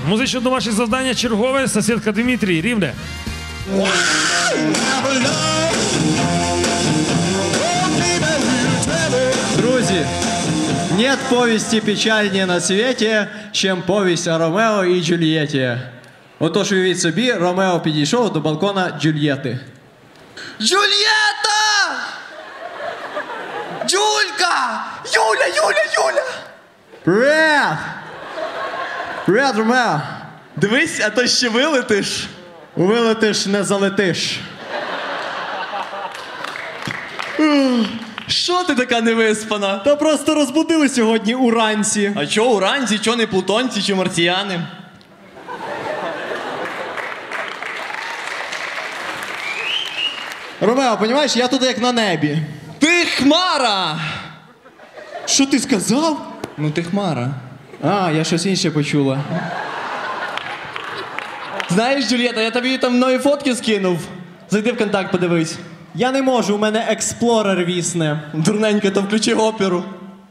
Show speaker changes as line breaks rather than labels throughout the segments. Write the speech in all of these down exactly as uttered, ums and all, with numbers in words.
Музичне домашнє завдання чергове. Сусідка Дмитрій, Рівне.
Друзі, нет повісті печальнее на світі, чим повість о Ромео і Джульєті. Отож, уявіть собі, Ромео підійшов до балкона Джульєти.
Джульєта! Джулька! Юля, Юля, Юля!
Привет! Привет, Ромео!
Дивись, а то ще вилетиш.
Вилетиш, не залетиш.
Що ти така невиспана?
Та просто розбудили сьогодні уранці.
А чо уранці, чо не плутонці чи марсіяни?
Ромео, розумієш, я тут як на небі.
Ти хмара!
Що ти сказав?
Ну ти хмара.
А, я щось інше почула.
Знаєш, Джульєта, я тобі там нові фотки скинув. Зайди в контакт, подивись.
Я не можу, у мене експлорер вісне.
Дурненько, то включи оперу.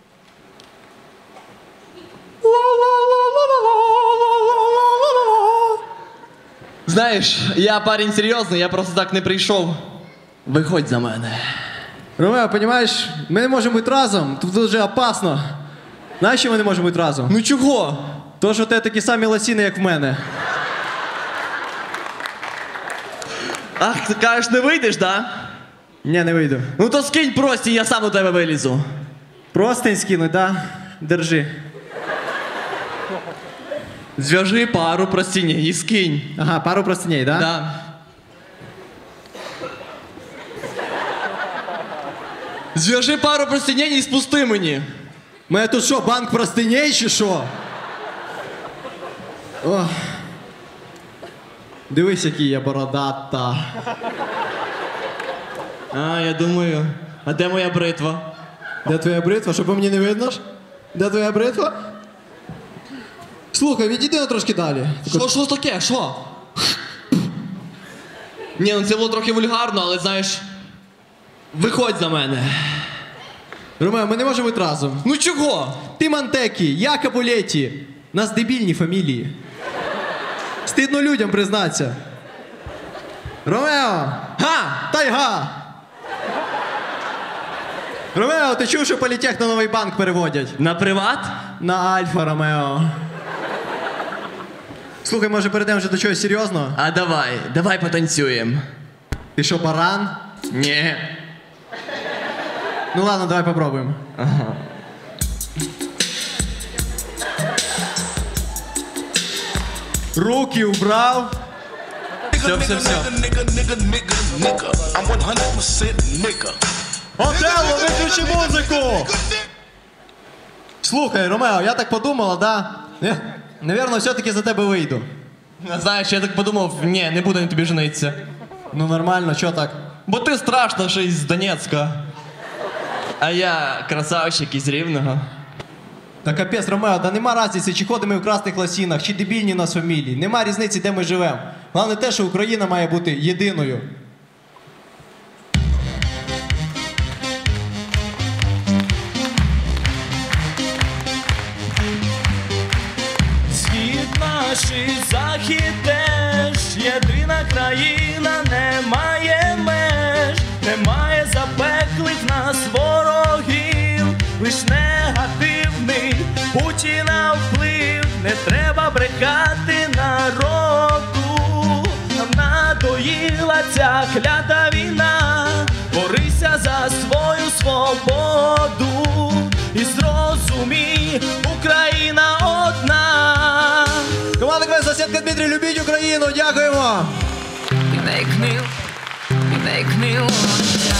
Знаєш, я парень серйозний, я просто так не прийшов. Виходь за мене.
Ромео, розумієш, ми не можемо бути разом, тут дуже опасно. Знаєш, що ми не можемо бути разом?
Ну чого?
То, що у тебе такі самі лосіни, як в мене.
Ах, ти кажеш, не вийдеш, да?
Ні, не вийду.
Ну то скинь прості, я сам до тебе вилізу.
Простень скинуть, да? Держи.
Зв'яжи пару простіней і скинь.
Ага, пару простиней, да?
Да. Зв'яжи пару простіней і спусти мені.
У мене тут що, банк простиней чи що? Ох. Дивись, який я бородата.
А, я думаю, а де моя бритва?
Де твоя бритва? Щоб мені не видно ж? Де твоя бритва? Слухай, відійди на трошки далі.
Що, що таке, що? Ні, ну це було трохи вульгарно, але знаєш, виходь за мене.
Ромео, ми не можемо бути разом.
Ну чого?
Ти Мантекі, я Капулеті. Нас дебільні фамілії. Стидно людям признатися. Ромео!
Га!
Тайга! Ромео, ти чув, що політех на новий банк переводять?
На приват?
На Альфа, Ромео. Слухай, може перейдемо вже до чогось серйозного?
А давай, давай потанцюємо.
Ти що, баран?
Ні.
Ну ладно, давай попробуємо.
Ага.
Руки убрав.
Все, все, все.
Отелло, виключи музику! Слухай, Ромео, я так подумала, да? Не, Навірно, все-таки за тебе вийду.
Знаєш, я так подумав, ні, не буду на тобі женитися.
Ну нормально, чо так?
Бо ти страшно, що із Донецька. А я красавчик із Рівного.
Та капець, Ромео, да нема різниці, чи ходимо ми в красних лосінах, чи дебільні у нас фамілії. Нема різниці, де ми живемо. Головне те, що Україна має бути єдиною.
Схід наш і захід теж, єдина країна, немає меж, немає запеклих нас ворогів, лиш негативний Путіна вплив, не треба брехати народу, нам надоїла ця клята війна, борися за свою свободу і зрозумій, Україна одна.
Команда КВН «Сусідка Дмитрій», любіть Україну, дякуємо!
We make new, we make new.